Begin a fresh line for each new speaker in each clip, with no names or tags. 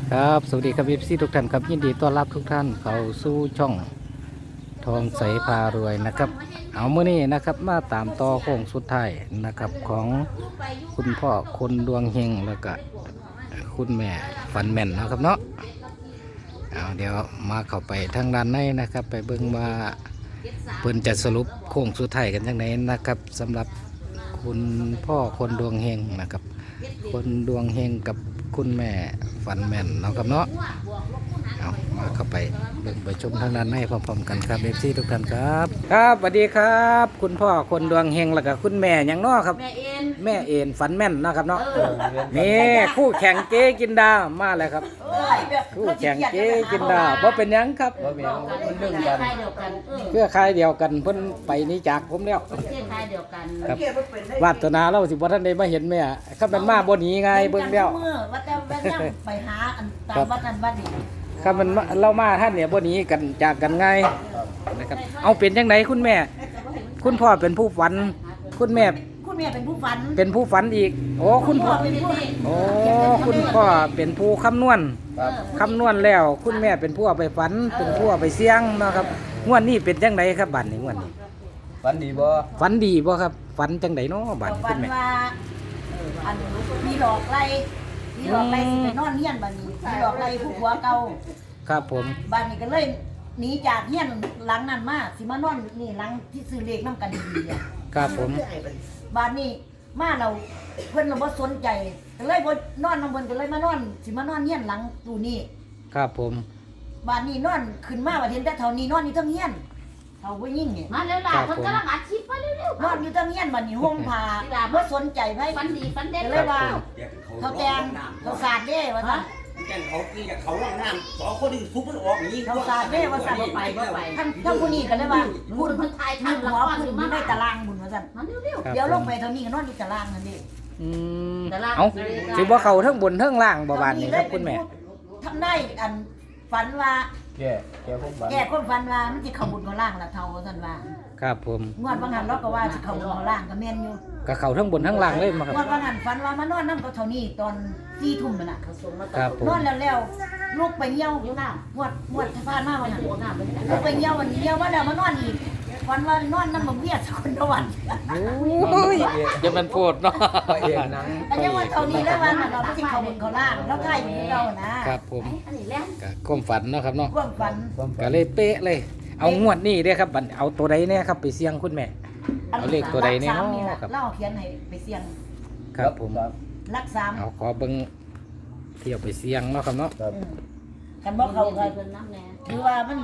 ครับสวัสดีครับเอฟซีทุกท่านครับยินดีต้อนรับทุกท่านเข้าสู่ช่องทองใสพารวยนะครับเอาเมื่อนี้นะครับมาตามต่อโค้งสุดท้ายนะครับของคุณพ่อคนดวงเฮงแล้วก็คุณแม่ฝันแม่นนะครับเนาะเอาเดี๋ยวมาเข้าไปทางด้านในนะครับไปเบิ่งว่าเพิ่นจะสรุปโค้งสุดท้ายกันยังไงนะครับสำหรับคุณพ่อคนดวงเฮงนะครับคนดวงเฮงกับคุณแม่ฝันแม่นเนาะครับเนาะเอามาเข้าไปเบิ่งไปชมทางด้านในพร้อมๆกันครับเอฟซีทุกท่านครับครับสวัสดีครับ คุณพ่อคนดวงเฮงแล้วก็คุณแม่หยังเนาะครับแม่เอ็นฝันแม่นเนาะครับเนาะนี่คู่แข่งเจ๊กินดามาแล้วครับคู่แข่งเจ๊กินดาเพราะเป็นหยังครับ
บ่แม่นมันเรื่องกัน
เพื่อใครเดียวกันเพิ่นไปนี้จากผมแล้ว
เพื่อใครเดียวกัน
ครับวาสนาเราสิบ่ทันได้มาเห็นแม่ถ้ามันมาบ่หนีไงเบิ่งแล้ว
ว่าแต่แม่ยังไปหาอันตามวัดนั้นวัดนี้
ครับมันเรามาท่านเนี่ยบ่หนีกันจากกันไงนะครับเอาเป็นจังไดคุณแม่ คุณพ่อเป็นผู้ฝัน คุณแม่
คุณแม่เป็นผู้ฝัน
เป็นผู้ฝันอีกโอ้คุณพ่อ
เป็นผู้
โอ้คุณพ่อเป็นผู้คำนวณ
ครับ
คำนวณแล้ว คุณแม่เป็นผู้เอาไปฝัน เป็นผู้เอาไปเสี่ยงเนาะครับงวดนี้เป็นจังไดครับบัดนี้งวดนี้
ฝันดีบ่
ฝันดีบ่ครับฝันจังไดเนาะบัดนี้
ฝั
คุ
น
ณแม่
ว่าอันมีหลอกไล่มีหลอกไล่สิไปนอนเฮียนบัดนี้มีหลอกไล่ผู้ผัวเก่า
ครับผม
บัดนี้ก็เลยหนีจากเฮียนหลังนั้นมาสิมานอนนี่หลังที่ซื้อเลขน้ำกันดีๆอ่ะ
ครับผม
บัดนี้มาเราเพิ่นเราบ่สนใจก็เลยบ่นอนนำเพิ่นก็เลยมานอนสิมานอนเฮียนหลังตู้นี้
ครับผม
บ้านนี้นอนขึ้นมาว่าเห็นแต่เท่านี้นอนอยู่เทั้งเฮียนเท่าผู้หญิงนี่
มาเร็วล่ะคนกำลังอัดคลิปมาเร็วน
อนอยู่เทั้งเฮียนบัดนี้ห่มผ้าบ่สนใจไผ
ๆฟันดีฟันเด็ด
ก็เลยว่าเขาแตงเขาสาดเด้ว่าซั่น
แกงเขากินกับเขาล่างน้ำสองคนที่ซุปมันออกอย่างนี้
เขาสาดเด้ว่าซั่น
ไปบ่ไป
ทั้งผู้นี้ก็เลยว่า
บุญคนไทย
มี
ทำละ
หัว
คร
ผู้
อยู่
มี
มา
ในตารางบุญว่าซั่น
มาเร็ว
ครับ
เดี๋ยวลงไป
ผม
เท่านี้ก็นอนอยู่ตารางนั่นเด้
อืม
แต่ละ
เอาสิบ่เข้าทั้งบนทั้งล่างบ่บานนี้ครับคุณแม่
ทำได้อันฝันว่า
แก่ผมฝัน
แก่คนฝันว่ามันสิเข้าบุญเข้าล่างล่ะเท่าว่าซั่นว่า
ครับผม
งวดบางหันเราก็ว่าสิเข้าบุญเข้าล่างก็แม่นอยู่
ก็เข้าทั้งบนทั้งล่างเลยมาครับ
งวดบางหันฝันว่ามานอนนำกับเท่านี้ตอน4 ทุ่มนั่นน่ะ
เขาส่งมา
ครับผม
นอนแล้วลูกไปเยี่ยว
อยู่หน้า
หวดผ่านมาวันนั้น
โอ้หน้าไปไหน
ลูกไปเยี่ยววันนี้เยี่ยวว่าเดี๋ยวมานอนอีกวันว่านอนน้ำบ่เบี้ยสกุลตะวัน
โอ้ยอย่ามันโพดเนาะ
พระเอกหนัง
อันนี้ว่าเท่านี้แล้ววันนั้นเราไม่ใช่เขาบนเขาล่างเราใกล้อยู่ที่เรานะครับ
ผม
อันนี้แหละ
ก็ความฝันเนาะครับเนาะ
ความฝัน
ความฝั
ก็
น
เลยเป๊ะเลย เอางวดนี้เด้อครับบัดเอาตัวใดเนี่ยครับไปเสี่ยงคุณแม่ เอาเลขตัวใดเนี่ย
รักสามนี่
เนาะ
ล่ะ
ครับ
เล่าเขียนให้ไปเสี่ยง
ครับผม
รักสาม
เอาขอเบิ่งเที่ยวไปเสี่ยงเนาะครับเนาะ
ครับ
กันบอกเขาก็
เพิ่นน้ำแน่
คือว่ามัน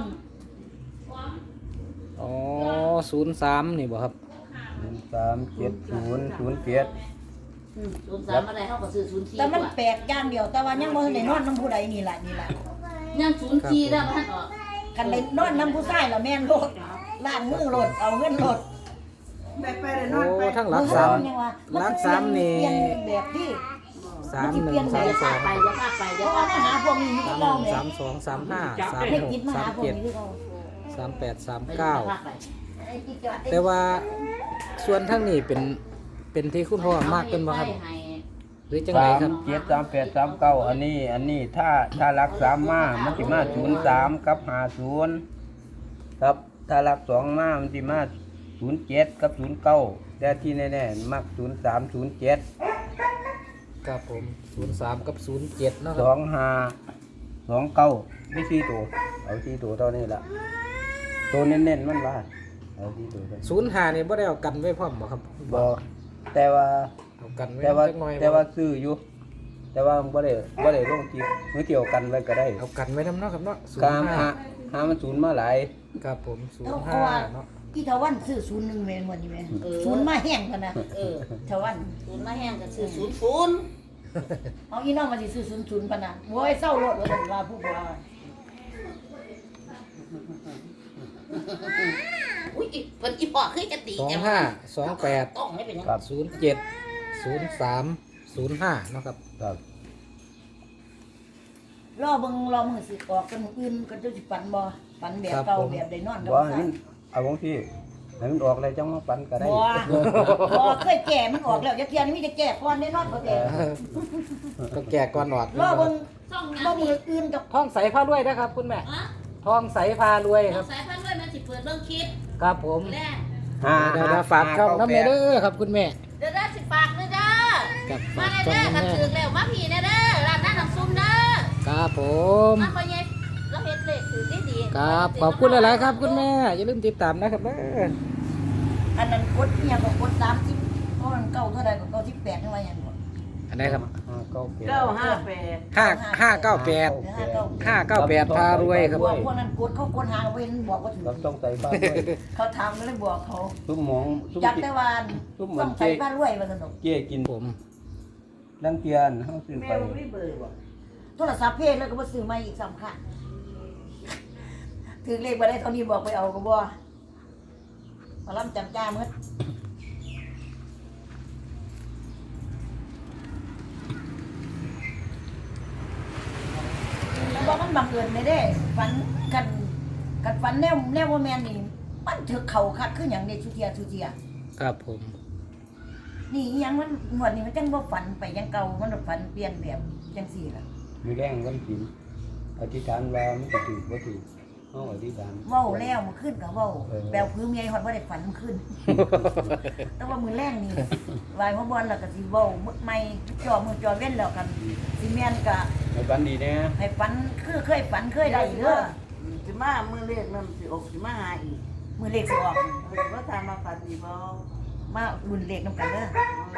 อ๋อ03นี่บ่ครับ
37007
03อะไรเขาก็ซื้อ04
แต่มันแปลกอย่างเดียวแต่ว่ายังบ่ทันได้นอนน้ำผู้ใดนี่แหละนี่แหละ
ยัง04แล้วมันออก
กันได้นอนน้ำผู้ชายแล้วแม่นโลดล้างมือโลดเอาเงินโลด
โอ้ทั้งหลักสาม หลักสามนี่
เปลี่ยนแบบที่
ไป
3132
เดี๋ยวพาไป
เพ
เดี๋ยว
ราะ
พา
ว่า
ไป
มาหาพวกนี้ที่เราเนี่ย
3235
เด็กยิดมาหาพวก
36
นี้ที่เรา
37
พา
38
ไป
39แต่ว่าส่วนทั้งนี้เป็นที่คุณพ่อมากเป็นบ่ครับหรือจังไดครับ
373839อันนี้ถ้ารัก3มามันสิมา03กับ50ครับถ้ารัก2มามันสิมา07กับ09แต่ที่แน่ๆมัก0307
ครับผม03กับ07เนาะค
ส
รั
อบ งห้า29ไม่4ตัวเอา4ตัวเท่านี้ล่ะตัวเน้นๆมันว่าเอา4ตัวเท่านี้
05นี่บ่ได้เอากันไว้พร้อมบ่ครับ
บ่แต่ว่า
เอากันไว้
แต่ว่า
จักหน่อย
แต่ว่าซื้ออยู่ แต่ว่าบ่ได้ลงที่มือเกี่ยวกันไว้ก็ได้
เอากันไว้นำเนาะครับเนาะ
กามหามันศูนย์มาหลาย
ครับผม
เพราะว่า
05เนาะ
ที่ทวันซื้อ01เมนวันนี้แม่ศูนย์มาแห้งกันนะ
เออ
ทวัน
0มาแห้งก็ซื้อ00
เอาอีน้องมาสิซื้อ00ปะนะโว้ยเศร้ารถว่าซั่นว่าผู้บ่าว
อุ้ยเพิ่นอีพ่อเคยจะตีแกมา
25
ต้องไม่เป็นหยัง
ครับ
28 03 05เนาะครับ
ครับ
รอเบิ่งรอมื้อสิออกกันมื้ออื่นก็จะสิฝันบ่ฝันแบบเก่าแบบได้นอนกับ
บ่
ผู้
ให้
ชาย
มันเอาบางที่ให้มันออกเลยจังมาฝันก็ได้
บ่เคยแก่มันออกแล้วอย่าเทียนมีแต่แก่ก่อนแน่นอนบ่แก่
ต้องแก่ก่อนออก
รอเบิ่ง
ช่องห
บ่
ยัง
มื
นี่
ออื่นกับ
ทองใสพารวยนะครับคุณแม่
ฮะ
ทองใสพารวยค
ช่อ
รั
ง
บ
สายพันธุ์ด้วยมันสิเปิดเบิ่งคลิป
ครับผม
แรก
เดี๋ยวฝากช่องน้ำเมเด้อครับคุณแม่
เดี๋ยวได้สิฝากเลยเด้อ
กับ
มา
ฝาก
เด้
ช่อง
อกัน
น้ำแม่
ถึงแล้วมาผีเด้อร้านน้ำซุปเด้อ
ครับผม
มาบ่เย็ดเราเฮ็ดเลขถือดีๆ
ครับขอบคุณหลายๆครับคุณแม่อย่าลืมติดตามนะครับเด้อ
อันนั้นกดเนี่ยก็กด30เพราะมันเก่าเท่าใดก็เก่า18นี่ว่าหยังบ่
อันไหนครับ
558
598พารวยครับ
พวกนั้นกดเขากดหาเว้นบอกว่าถึง
เราต้องใส่ฟ้าด้วย
เขาถามก็เลยบอกเขา
ซุ่มหมองซุ่ม
จักแต่ว่า
ซุ่มเหมื
ต้
อ
อน งใส่บ้านรวยว่าสนุก
เกี้ยกิน
ผม
ลังเกียนเฮาซื้อไป
โทรศัพท์เพจแล้วก็มาซื้อมาอีก3ครั้งถึงเลขบ่ได้เท่านี้บอกไปเอาก็บ่มาล้ำจำจ้าหมดบอกมันบังเอิญไม่ได้ฝันกันฝันแนวว่าแม่นนี่มันถือเข่าคักคือหยังนี่ทุเทีย
ครับผม
นี่อีหยังมันหมวดนี่มันจังบ่ฝันไปยังเก่ามันฝันเปลี่ยนแบบจังซี่ล่ะ
มีแรงวันกินอธิษฐานว่ามันสิถูกบ่ถูกเฮาอธิษฐาน
เว้าแล้วมื้อคืนก็เว้า
เออ
แปลวพื้นเมียฮอดบ่ได้ฝันมื้อคืน แต่ว่ามื้อแรงนี่วายหัวบอลแล้วก็สิเว้ามื้อใหม่มือจอเว้นแล้วกันสิแม่นก็
ให้ฝันดีแน่
ให้ฝันคือเคยฝันเคยได้เด้อ
สิมามือเลขนั่นสิออกสิมาหาอีก
มื้อเลขสิออก
ว่าทามาฝันอีกบ่
มารุ่นเลขนํกันเด้อ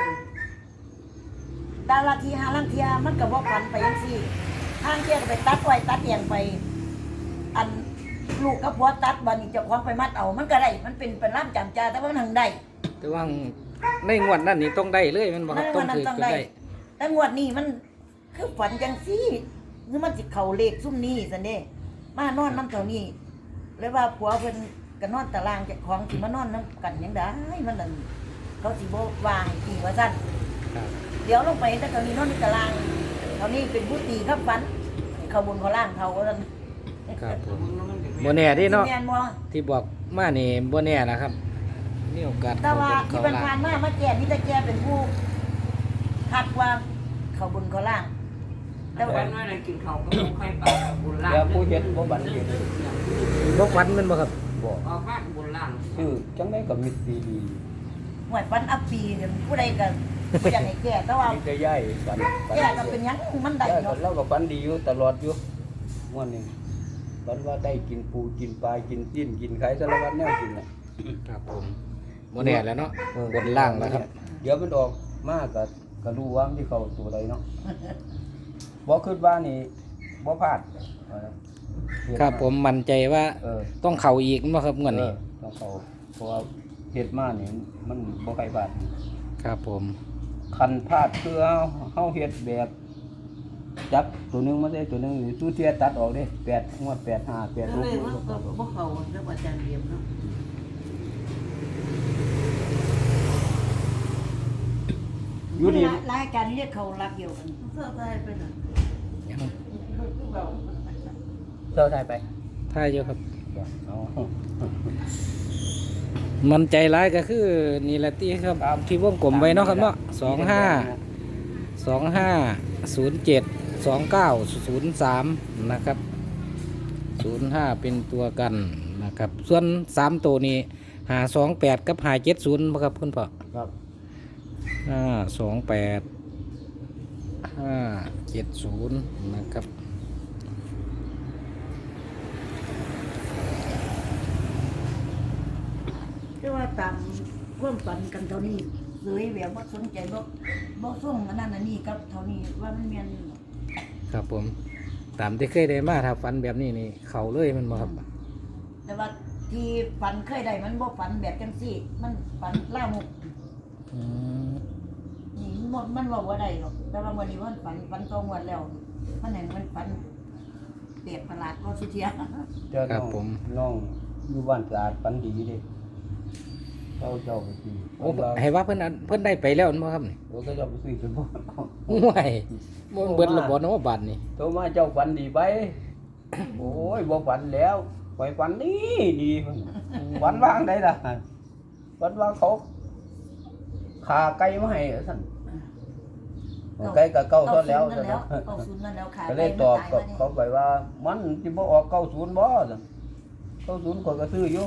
ดาราทีหาลังเทียมันก็บ่ฝันไปจังซี่ทางเที่ยก็ไปตัดไว้ตัดเอียงไป อันลูกกับผัวตัดบัดนี้เจ้าของไปมัดเอามันก็ได้มันเป็นร่ามจำจาแต่ว่ามันหังได้
แต่ว่าในงวดนั้นนี่ต้องได้เลยแมันบ่ครับต้องถือก็ได้
แต่งวดนี้มันคือฝันจังซี่คือมันสิเข้าเลขซุ่มนี้ซั่นเด้มานอนนำเท่านี้เลยว่าผัวเพิ่นก็นอนตารางเจ้าของสิมานอนนํกันหยังได้มันนั่นเขาสิบ่วางให้ตีว่าซั่น
ครับ
เดี๋ยวลงไปแต่เท่านี้นอนในตารางเท่านี้เป็นผู้ตีครับฝันเขาบนเขาล่างเขาว่าซั่น
ครับผมบ่แน่เดิเนาะ
แม่นบ่
ที่บอกมานี่บ่แน่นะครับมีโอกาส
แต่ว่า
เข้า
ที่
บน
ผ่า
เข้าน ล่าง
ๆมาแก่นี่แต่แก่เป็นผู้ทักว่าเขาบนเขาล่าง แต่ว่า
วันนั้นกินข้าวก็บ่ค่อยปากบุญล่าง
เดี๋ยวผู้เฮ็ดบ่บันเฮ็ด
บ่ฝันแมันบ่ครับ
บ่
ออกมาบุญล่าง
ชื่อจังได๋ก็มีดี
หวยฟันอัปปีเนี่ยผู้ใดก็บ่อยากให้แก่แต่ว่า
มีแต่ย้ายฝัน
แก่ก็เป็นหยังมันได้
ย้ายก็
เนาะ
เราก็ฝันดีอยู่ตลอดอยู่ม่วนนี่ฝันว่าได้กินปูกินปลากินจิ้นกินไข่สารพัดแนวกินน่ะ
ครับผมบ่แน่แล้วเนาะบนล่างแล้วครับ
เดี๋ยวมันออกมาก็รู้ว่ามันสิเข้าตัวใดเนาะบ่คิดว่านี่บ่พลาด
ครับผมมั่นใจว่า
เออ
ต้องเข้าอีกบ่ครับงวดนี้
ต้องเข้าเพราะว่าเฮ็ดมานี่มันบ่ใครพลาด
ครับผม
คันพลาดคือเฮาเฮ็ดแบบจับตัวหนึงมาได้ตัวหนึงนี่ตู้เทียตัดออกเด้8งวด8 5 8
ก็เลยมันก็บ่เข้ากับอาจารย์เดียมเนาะ
อยู่ดี
รายการเรียกเขารักเดียวกัน
เสื้อใส่ไปน่ะ
ยัง
เซอร์ไทยไป
ท่ายอยู่ครับ
เอา
มันใจร้ายก็คือนี่แหละที่ครับที่วงกลมไว้เนาะครับเนาะ25072903นะครับ05เป็นตัวกันนะครับส่วน3ตัวนี้528กับ570บ่ครับคุณพ่อ
ครับ
528 570นะครับ
แต่ว่าตามความฝันกันเท่านี้เลยแบบบ่สนใจบ่ส่งอันนั้นอันนี้กับเท่านี้ว่ามันแม่นอยู่
ครับผมตามที่เคยได้มาถ้าฝันแบบนี้นี่เข้าเลยแมันบ่ครับ
แต่ว่าที่ฝันเคยได้มันบ่ฝันแบบจังซี่ มันฝันล่ามก
อืม
นี่มันว่าบ่ได้หรอก แต่ว่าวันนี้มันฝันตรงวันแล้ว มันเห็นมันฝันเปรียบประหลาดว่าสุเทีย
เจ้าน้องอยู่บ้านสะอาดปันดีเด้เจ้าไปซื้อ
โอ้ให้ว่าเพิ่นได้ไปแล้วแม่นบ่ครับนี่
โอ้ก็เจ้าไปซื้อจนบ่
ห่วยบ่เบิดระบ่เนาะบัดนี้
โตมาเจ้าฝันดีไป โอ้ยบ่ฝันแล้วไปฝันดีดีฝันว่างได้ล่ะวันว่าเขาขาไก่มาให้ท่านไก่กับเก้าเท่าแล้ว
เก้าศูนย์นั่นแล้วเก้าศูนย์นั่นแล้วขาย
ก็
ไป
เลยต
มัน
อบ
ตาย
กับ
มาเนี่ย
เขาไปว่า มันสิบ่ออก90บ่ซั่น90คนก็ซื้ออยู่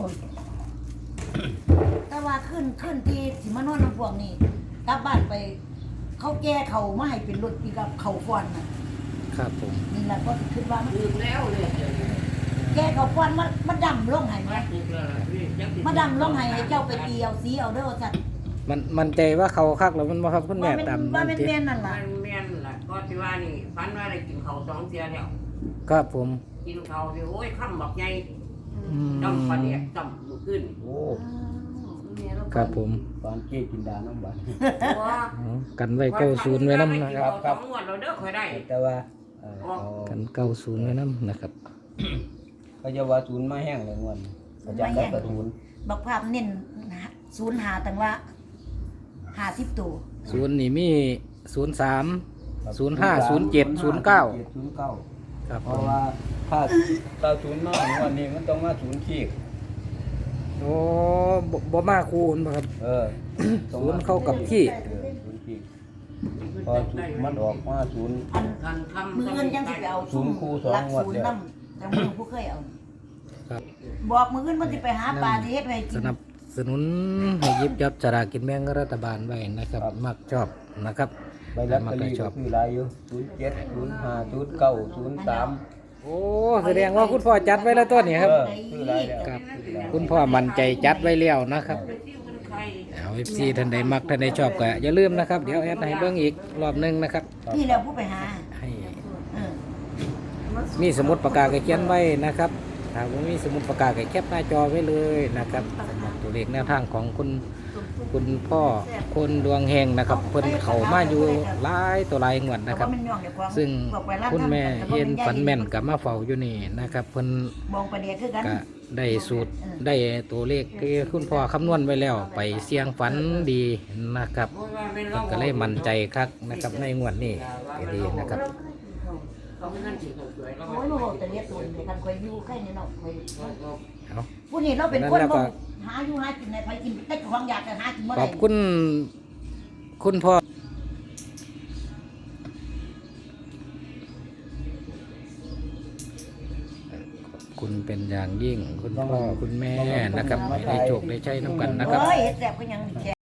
แต่ว่าขึ้นที่สิมานอนน้ำพวงนี่กลับบ้านไป เขาแก้เขามาให้เป็นรถปีกับเขาฟอนน่ะ
ครับผม
นี่แหละก็คิดว่ามัน
ลืมแล้วเลยเดี๋ยวนี้
แก้เขาฟอนมาดำลงให้ไหม
ถูกแล้วล่ะพี่ยังสิ
มาดำลงให้เจ้าไปตีเอาสีเอาเด้อสัตว์
มันใจว่าเขาคักแล้วมันบ่ครับคุณแม่
ว่าเป็น
ตาม
ว่า
นั่น
เป็น
ติ
แม่นนั่นล่ะ
มันแม่นล่ะก็ที่ว่านี่ฝันว่าได้กินข้าวสองเที่ยแล้ว
ครับผม
กินข้าวสิโอ้ยค่ำบักใหญ่
อืม
จำปลาเดียกจำมื้อขึ้น
โอ้
ครับผม
ตอนเจ๊กินดาน้ำบัด
ตัว
อ๋อกันไว้90ไว้นำนะครับ
ครับสองงวดเราเด้อค่อยได้
แต่ว่าเขา
กัน90ไว้นำนะครับ
เขาจะว่าศูนย์มาแห้งเลยงวดนี้เขาจะได้กระศูนย์
บักภาพเน้นศูนย์หาตั้งว่า50ตัว
ศูนย์นี่มี03 05 07 09
09
ครับ
เพ
ผ
ราะ
ม
ว่าถ้าศูนย์มางวดนี้มันต้องมาศูนย์ขีด
โอ้บ่มาคูณบ่ครับ ศูนย์เข้ากับที่
ศูนย์ขีดพอศูนย์มันออกมาศูนย์
อัน
กันคำ
มือเงินยังสิไปเอา
ศูนย์คู่สอง
หลัก
งวด
ศูน
เดี
ย์
ยว
นำแต่มือผู้เคยเอา
ครับ
บอกมือเงินมันสิไปหาปลาที่เฮ็ดไว้
ส
กิน
นับสนุนให้หยิบจับสลากกินแบ่งรัฐบาลไว้นะครับ มักชอบนะครับ
ใบลอตเตอรี่ก็คือหลายอยู่07 05 09 03
โอ้แสดงว่าคุณพ่อจัดไว้แล้วตัวนี้ครับ
คือหลายแล้ว
ครับ คุณพ่อมั่นใจจัดไว้แล้วนะครับ
ที่มันใคร
เอา FC ท่านใดมักท่านใดชอบก็อย่าลืมนะครับ เดี๋ยวแอดให้เบิ่งอีกรอบหนึงนะครับ
นี่แหล้วผู้ไปหา
ให้
เออ
มีสมุดปากกาก็เขียนไว้นะครับถ้าบ่มีสมุดปากกาก็แคปหน้าจอไว้เลยนะครับสำหรับตัวเลขแนวทางของคุณพ่อคนดวงเฮงนะครับเพิ่นเข้ามาอยู่หลายตัวหลายงวดนะครับ
แต่ว่ามันย่องเดี๋ยวความ
ซึ่ง
บอกไปร้าน
คุณแม่
ทำแต่ว่า
เย็น
มั
ฝันแม่น
ใหญ่
กับมาเฝ้าอยู่นี่นะครับเพิ่น
มองประเดี๋ยวคือกัน
ก็ได้สูตรได้ตัวเลขที่คุณพ่อคำนวณไว้แล้ว ไปเสี่ยงฝันดีนะครับ
โอ้ยว่าเป็น
เพิ่นก็เลยมั่นใจคักนะครับในงวดนี้ก็ดีนะครับ
เขาไม่นั่นสิเขาสวยแล้ว
โอ้ยมาบอกแต่เรียกตัวเดียวกันคอยอยู่ใกล้นี่เนาะคอย
เอา
ผู้นี้เราเป็นคน
นั่นแหละ
บ่
ก็
หาอยู่หากินในไปกินแต่ของอยากจะหากินเมื่อ
ข
ไห
อ
ร่
บคุณคุณพ่อคุณเป็นอย่างยิ่งคุณพ่อคุณแม่นะครับให้ได้โชคได้ใช้น้ำกันนะครับ
เฮ้ยเฮ็ดแซ่บก็ยังแค่